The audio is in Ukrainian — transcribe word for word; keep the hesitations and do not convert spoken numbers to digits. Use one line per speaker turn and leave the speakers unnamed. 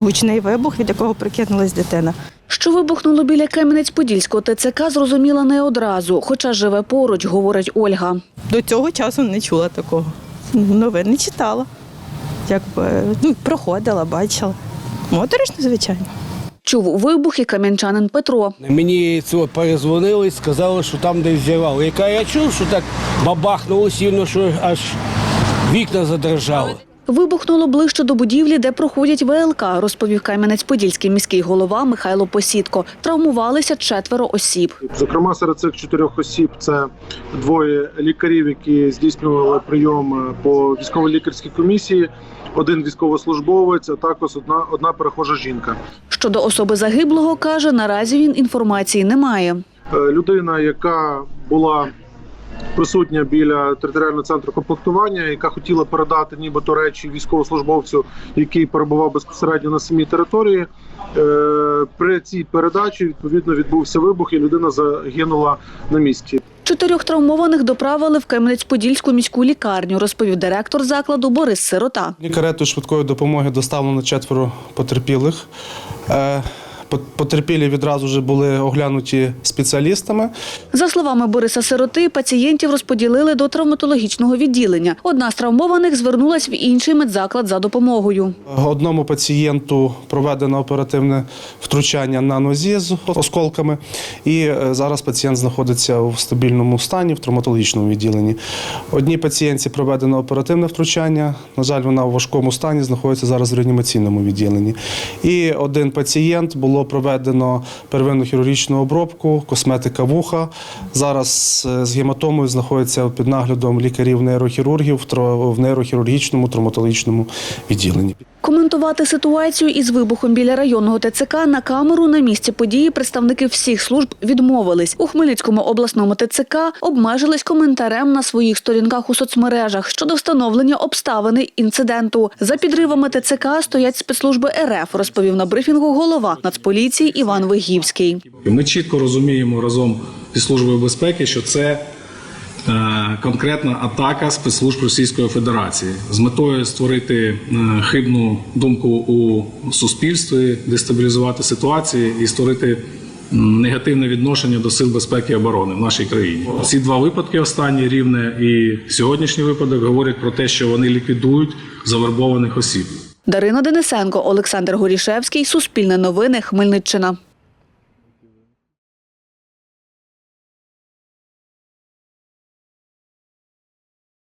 Гучний вибух, від якого прикинулась дитина.
Що вибухнуло біля Кам'янець-Подільського ТЦК, зрозуміла не одразу, хоча живе поруч, говорить Ольга.
До цього часу не чула такого. Новин не читала. Якби, ну, проходила, бачила. Моторошно, звичайно.
Чув вибух і кам'янчанин Петро.
Мені цього перезвонили і сказали, що там десь зірвало. Яка я чув, що так бабахнуло сильно, що аж вікна задрожали.
Вибухнуло ближче до будівлі, де проходять ВЛК, розповів Кам'янець-Подільський міський голова Михайло Посідко. Травмувалися четверо осіб.
Зокрема, серед цих чотирьох осіб це двоє лікарів, які здійснювали прийом по військово-лікарській комісії, один військовослужбовець, а також одна, одна перехожа жінка.
Щодо особи загиблого, каже, наразі він інформації не має.
Людина, яка була присутня біля територіального центру комплектування, яка хотіла передати нібито речі військовослужбовцю, який перебував безпосередньо на самій території. При цій передачі, відповідно, відбувся вибух і людина загинула на місці.
Чотирьох травмованих доправили в Кам'янець-Подільську міську лікарню, розповів директор закладу Борис Сирота.
Каретою швидкої допомоги доставлено четверо потерпілих. Потерпілі відразу вже були оглянуті спеціалістами.
За словами Бориса Сироти, пацієнтів розподілили до травматологічного відділення. Одна з травмованих звернулась в інший медзаклад за допомогою.
Одному пацієнту проведено оперативне втручання на нозі з осколками. І зараз пацієнт знаходиться в стабільному стані в травматологічному відділенні. Одній пацієнтці проведено оперативне втручання. На жаль, вона в важкому стані, знаходиться зараз в реанімаційному відділенні. І один пацієнт було проведено первинну хірургічну обробку, косметика вуха. Зараз з гематомою знаходиться під наглядом лікарів-нейрохірургів в нейрохірургічному травматологічному відділенні.
Коментувати ситуацію із вибухом біля районного ТЦК на камеру на місці події представники всіх служб відмовились. У Хмельницькому обласному ТЦК обмежились коментарем на своїх сторінках у соцмережах щодо встановлення обставини інциденту. За підривами ТЦК стоять спецслужби РФ, розповів на брифінгу голова Нацполіції Іван Вигівський.
Ми чітко розуміємо разом зі Службою безпеки, що це конкретна атака спецслужб Російської Федерації з метою створити хибну думку у суспільстві, дестабілізувати ситуацію і створити негативне відношення до сил безпеки і оборони в нашій країні. Ці два випадки, останні Рівне і сьогоднішній випадок, говорять про те, що вони ліквідують завербованих осіб.
Дарина Денисенко, Олександр Горішевський, Суспільне новини, Хмельниччина.